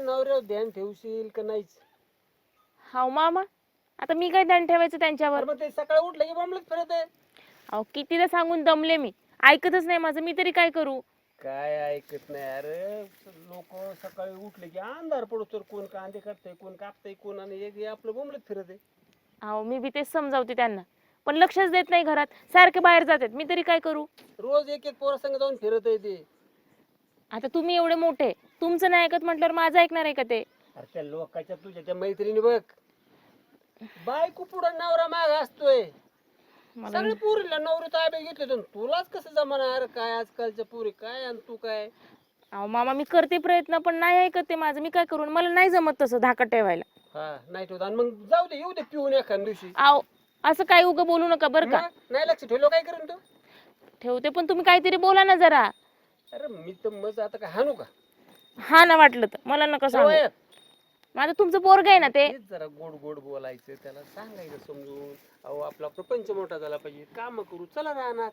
नवऱ्यावर ध्यान ठेवशील का नाहीच? हाव मामा, आता मी काय ध्यान ठेवायचं त्यांच्यावर? मग ते सकाळी उठलं की बोंबलत फिरत आहे. अहो कितीदा सांगून दमले मी, ऐकतच नाही माझं, मी तरी काय करू? काय ऐकत नाही अरे. लोक सकाळी उठले की अंधार पडतो, कोण कांदे काढतंय, कोण कापतंय, कोण आणि एक आपलं बोंबलत फिरत आहे. अहो मी बी तेच समजावते त्यांना, पण लक्षच देत नाही घरात, सारखे बाहेर जातात, मी तरी काय करू? रोज एक एक पोरासंग जाऊन फिरत आहे ते. आता तुम्ही एवढे मोठे, तुमचं नाही ऐकत म्हटल्यावर माझं ऐकणार आहे का ते? अरे त्या लोकांच्या तुझ्या त्या मैत्रिणी बघ, बायको पुढं नवरा माग असतोय. मला सगळे पोरीला नवरी ताब्यात घेतले तर तुलाच कसं जमाना? अरे काय आजकालच्या पोरी काय आणि तू काय? अहो मामा, मी करते प्रयत्न, पण नाही ऐकत ते माझं, मी काय करू? मला नाही जमत तसं धाकट ठेवायला. हा नाही ठेवत आणि मग जाऊ दे, येऊ दे पिऊन एखाद दिवशी. अहो असं काय उगं बोलू नका बरं का. मग नाही लक्ष ठेवलं काय करून तू? ठेवते, पण तुम्ही काहीतरी बोला ना जरा. अरे मी तर मग आता काय हाणू का? हा ना, वाटलं तर मला नका सांगू. सवय. माझं तुमचं पोरग आहे ना ते. तेच जरा गोड गोड बोलायचं, त्याला सांगायचं समजून. अहो आपला प्रपंच मोठा झाला पाहिजे, काम करू चला राहणार.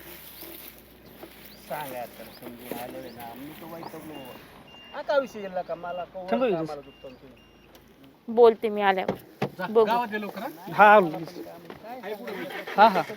सांगायचं त्याला समजून. आलं ना मी तर वैतागलो आता. विषय गेला का मला कामाला दुखतो तुम्ही. बोलते मी आल्यावर, बघू. गावात गेलो का? हा हा हा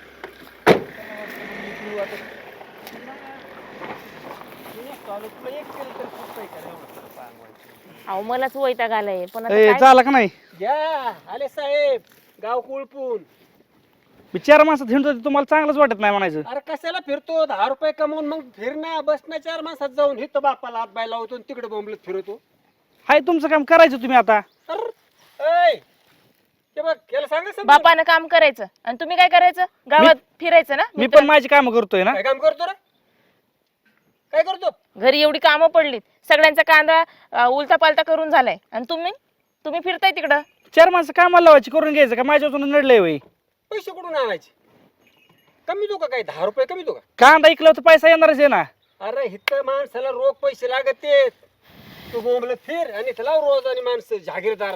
अहो मलाच वैताग आलाय, पण आता ए, काय? झालं का नाही? घ्या आले साहेब, गाव कुळपून. मी 4 माणसात हिंडतो, तुम्हाला चांगलंच वाटत नाही म्हणायचं. अरे कशाला फिरतो? 10 रुपये कमवून मग फिरणं बसणं 4 माणसात जाऊन हिथं बापाला हात बाय लावतो आणि तिकडे बोंबलत फिरतो. हाय तुमचं काम करायचं तुम्ही आता. ते बघ याला सांगा समजून. बापानं काम करायचं आणि तुम्ही काय करायचं? गावात फिरायचं ना. मी पण माझी कामं करतोय ना. काय काम करतो रे? काय करतो? घरी एवढी कामं पडलीत, सगळ्यांचा कांदा उलटा पालटा करून झालाय, आणि तुम्ही फिरताय तिकडं. 4 माणसं कामाला लावायची, करून घ्यायचं का? माझ्या वाचून नडलंय वय. पैसे कुठून आणायचे? कमी दो का? काय 10 रुपये कमी दो का? कांदा ऐकलं तर पैसा येणारच आहे ना. अरे हिथं माणसाला रोख पैसे लागत आहेत. तू बोंबलत फिर आणि इथं लाव रोज आणि माणसं जागीरदार.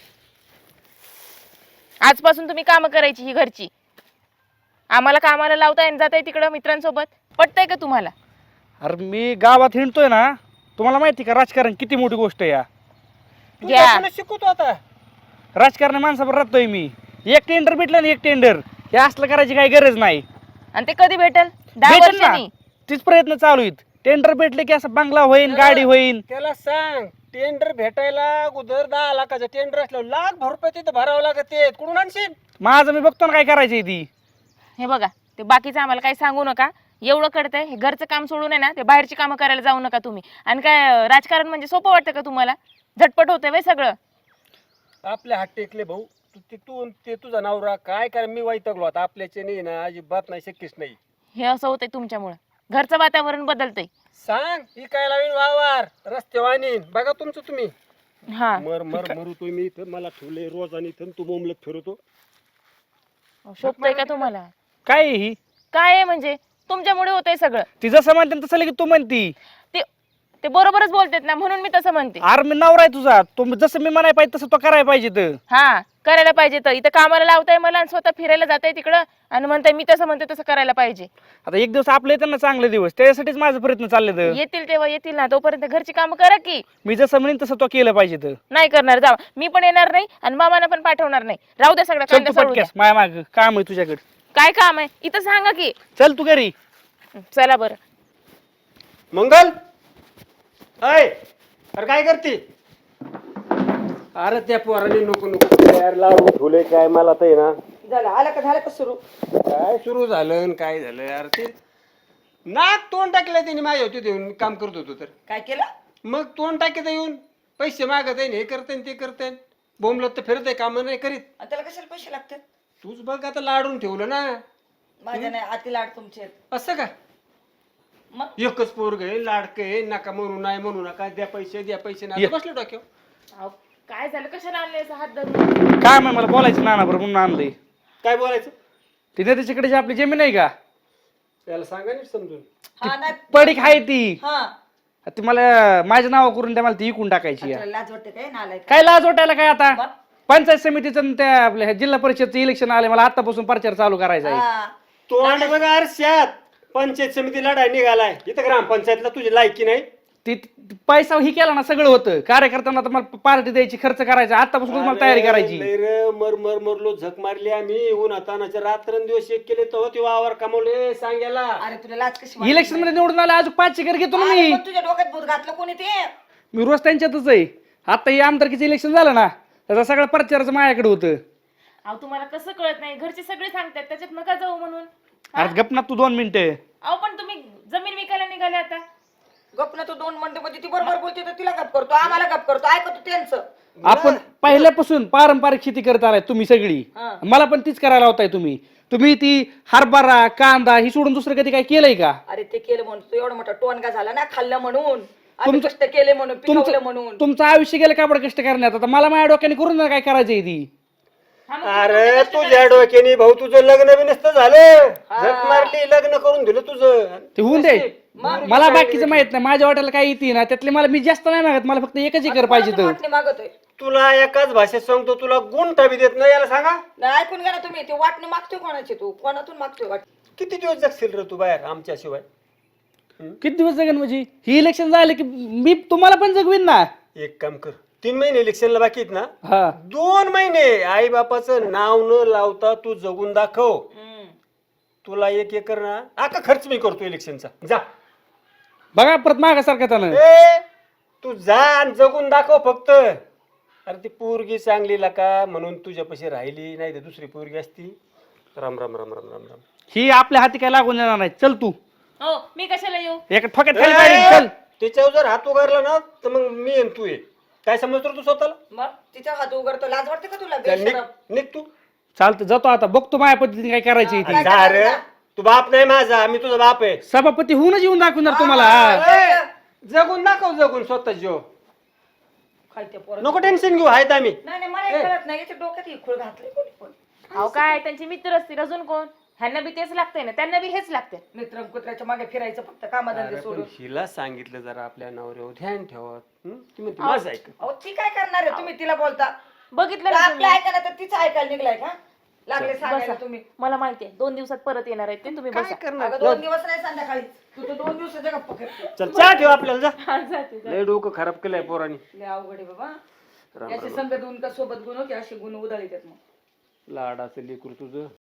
आजपासून तुम्ही कामं करायची ही घरची. आम्हाला कामाला लावताय आणि जाताय तिकडं मित्रांसोबत. पटतंय का तुम्हाला? अरे मी गावात हिंडतोय ना, तुम्हाला माहिती का राजकारण किती मोठी गोष्ट आहे या. तू घ्या. त्याला शिकवतो आता. राजकारण माणसावर राहतोय मी. एक टेंडर भेटलं ना, एक टेंडर, हे असलं करायची काही गरज नाही. आणि ते कधी भेटल? 10 भेटेल ना, वर्षांनी. तीच प्रयत्न चालू आहेत. टेंडर भेटले की असं बंगला होईन, गाडी होईन. त्याला सांग टेंडर भेटायला अगोदर 10 लाखाचं टेंडर असलं, लाख रुपये तिथं भरावं लागत ते. कुठून आणशील? माझं मी बघतो ना काय करायचंय ती. हे बघा, ते बाकीचं आम्हाला काही सांगू नका. एवढं कळतंय, हे घरचं काम सोडून आहे ना, ते बाहेरची कामं करायला जाऊ नका तुम्ही. आणि काय राजकारण म्हणजे सोपं वाटतं का तुम्हाला? झटपट होतंय वय सगळं. आपले हात टेकले भाऊ. ते तुझा नवरा काय काय मी वैतागलो आता. आपल्याचे नाही ना, अजिबात नाही, शक्यच नाही. हे असं होतंय तुमच्यामुळं. घरचं वातावरण बदलतंय. सांग ही काय लावीन वावर रस्ते वाणीन बघा तुमचं तुम्ही. हा, मरू तुम्ही इथं मला ठेवले रोज आणि इथं तू बोंबलत फिरतो. शोभतंय का तुम्हाला? काय आहे ही? काय आहे म्हणजे? तुमच्यामुळे होतंय सगळं. ती जसं म्हणते ना तसं लगेच तू म्हणती. ते बरोबरच बोलतेत ना, म्हणून मी तसं म्हणते. अरे मी नवरा आहे तुझा, तू जसं मी म्हणाय पाहिजे तसं तो करायला पाहिजे. तर हा, करायला पाहिजे. तर इथं कामाला लावताय मला आणि स्वतः फिरायला जाताय तिकडं आणि म्हणताय मी तसं म्हणते तसं करायला पाहिजे. आता एक दिवस आपले येतात ना चांगले दिवस, त्याच्यासाठीच माझा प्रयत्न चालले. तर येतील तेव्हा येतील ना, तोपर्यंत घरची कामं करा की. मी जसं म्हणेन तसं तो केलं पाहिजे. तर नाही करणार, जावा. मी पण येणार नाही आणि मामाला पण पाठवणार नाही. राहू द्या सगळं, चल कांदा तू सोडून द्या. पटक्यास, माया माग काम आहे तुझ्याकडे. काय काम आहे इथं सांगा की. चल तू घरी. चला बरं. मंगल अय अरे काय करते? अरे त्या पोराने नको नको यार लावून ठेवले काय मला तर ना. झालं झालं का सुरू? काय सुरू झालं आणि काय झालं यार? ते नाक तोंड टाकलं त्याने माझ्या होते देऊन काम करत होतो तर. काय केलं? मग तोंड टाकीत येऊन पैसे मागत आहे, हे करते ते करते. बोंबलत तर फिरत आहे, काम नाही करीत. आणि त्याला कशाला पैसे लागतात? तूच बघ आता लाडून ठेवलं ना. माझ्या नाही, आती लाड तुमचे आहेत. असं का? मग एकच पोरग आहे, लाडकं आहे, नका म्हणू नाही म्हणू नका, द्या पैसे नाही बसलं डोक्यावर. अहो, काय झालं? कशाला आणले असं हात धरून? काम आहे मला बोलायचं नाना बरोबर म्हणून आणलंय. काय बोलायचं? तिथे त्याच्याकडे जी आपली जमीन आहे का, त्याला सांगा नीट समजून. हा नाही. पडीक आहे ती. हा, ती मला माझ्या नावा करून द्या, मला ती विकून टाकायची. तुला लाज वाटते काय? नालाय काय लाज वाटायला काय? आता मग? पंचायत समितीचं आणि त्या आपल्या जिल्हा परिषदचं इलेक्शन आले, मला आतापासून प्रचार चालू करायचा आहे. हा. तोंड बघा आरशात. पंचायत समिती लढाई निघालाय इथं, ग्रामपंचायतला तुझी लायकी नाही. ते पैसा ही केला ना सगळं होतं. कार्यकर्त्यांना तर मला पार्टी द्यायची, खर्च करायचा, आतापासून मला तयारी करायची. लय रे, मरलो झक मारली आम्ही उन्हातानाच्या रात्रंदिवस एक केले तो ते वावर कमवले सांगायला. अरे तुला लाज कशी वाटत इलेक्शन मध्ये निवडून आले, अजून 5 घर घेतो ना नाही? मी. अरे पण तुझ्या डोक्यात भूत घातलं कोणी ते? मी रोज त्यांच्यातच आहे. आता हे आमदारकीचं इलेक्शन झालं ना, त्याचा सगळा प्रचाराचं माझ्याकडे होतं. अहो तुम्हाला कसं कळत नाही, घरचे सगळे सांगतात त्याच्यात नका जाऊ म्हणून. अरे गप ना तू 2 मिनिटं. अहो पण तुम्ही जमीन विकायला निघाले आता. गप ना तू 2 मिनिटं म्हणजे ती बरोबर बोलते तर तिला गप करतो, आम्हाला गप करतो, ऐकतो त्यांचं. आपण पहिल्यापासून पारंपरिक शेती करत आलाय तुम्ही सगळी. हा. मला पण तीच करायला होताय तुम्ही. तुम्ही ती हरभरा कांदा ही सोडून दुसरं कधी काय केलंय का? अरे ते केलं म्हणून तू एवढा मोठा टोनगा झाला ना, खाल्लं म्हणून, आम्ही कष्ट केले म्हणून, पिकवलं म्हणून. तुमचं आयुष्य गेलं कापड कष्ट करण्यात. आता मला माझ्या डोक्याने करून ना काय करायचंय ती. हा मग अरे तुझ्या डोक्याने भाऊ तुझं लग्न बी नसतं झालं, झक मारली लग्न करून दिलं तुझं. ते होऊन दे. मला बाकीचं माहित नाही, माझ्या वाट्याला काय येते ना त्यातले मला, मी जास्त नाही मागत, मला फक्त एकच एकर पाहिजे तर. वाटणे मागतोय तुला एकाच भाषेत सांगतो, तुला गुंठा बी देत नाही याला सांगा. नाही, ऐकून घ्या ना तुम्ही. ते वाटणे मागतोय कोणाची? तू कोणातून मागतोय वाटणे? किती दिवस जगशील रे तू बाहेर आमच्याशिवाय? किती दिवस जगन म्हणजे? ही इलेक्शन झालं की मी तुम्हाला पण जगवीन ना. एक काम कर, 3 महिने इलेक्शनला बाकी आहेत ना, हा 2 महिने आई बापाचं नाव न लावता तू जगून दाखव. तुला 1 एकर ना आका खर्च मी करतो इलेक्शनचा. जा बघा परत मागासारखं त्यानं. ए तू जा आणि जगून दाखव फक्त. अरे ती पोरगी चांगली का म्हणून तुझ्यापाशी राहिली, नाही तर दुसरी पोरगी असती. राम राम राम राम राम राम. ही आपल्या हाती काय लागून येणार नाही. चल तू हो मी कशाला येऊ? एक ठोक्यात खाली पाडीन, चल. त्याच्यावर जर हात उगारला ना तर मग मी येईन, तू ये. काय समजतो रे तू स्वतःला? मग तिचा हात उघडतो, लाज वाटते का तुला? चल, निघ बेशरम. निघ तू. चालतं, जातो आता, बघतो माझ्या पद्धतीने काय करायची ती. काय जा रे, करायचं? तू बाप नाही माझा, मी तुझा बाप आहे. सभापती होऊनच येऊन दाखवणार तुम्हाला. हा. ए, जगून दाखव, जगून स्वतः जीव. काय ते पोरं? नको टेन्शन घेऊ, आहेत आम्ही. नाही नाही, मला हे कळत नाही, याच्या डोक्यात ही खूळ घातली कोणी पण. अहो काय त्यांचे मित्र असतील, अजून कोण? ह्यांना बी तेच लागतंय ना, त्यांना बी हेच लागतंय. मित्र कुत्र्याच्या मागे फिरायचं फक्त कामाधंदे अरे, पण सोडून. हिला सांगितलं जरा आपल्या नवऱ्यावर ध्यान ठेवा. ती म्हणते माझं ऐक. अहो ती काय करणार आहे? तुम्ही तिला बोलता बघितलं तर ना आपलं तुम्ही? ऐका ना, तर तिचं ऐकायला निघलाय का? लागले सांगायला तुम्ही. मला माहितीये 2 दिवसात परत येणार आहेत ते, तुम्ही काय बसा. करणार? अगं 2 दिवस नाही, संध्याकाळी. तू तर 2 दिवसाच्या गप्पा करते. चल चहा ठेव आपल्याला, जा. हा, जाते, जाते. लय डोकं खराब केलंय पोरांनी. लय अवघड आहे बाबा. राम याचे राम. संगत गुण का सोबत गुण की असे गुण उधळीत मग. लाडाचं लेकरू तुझं.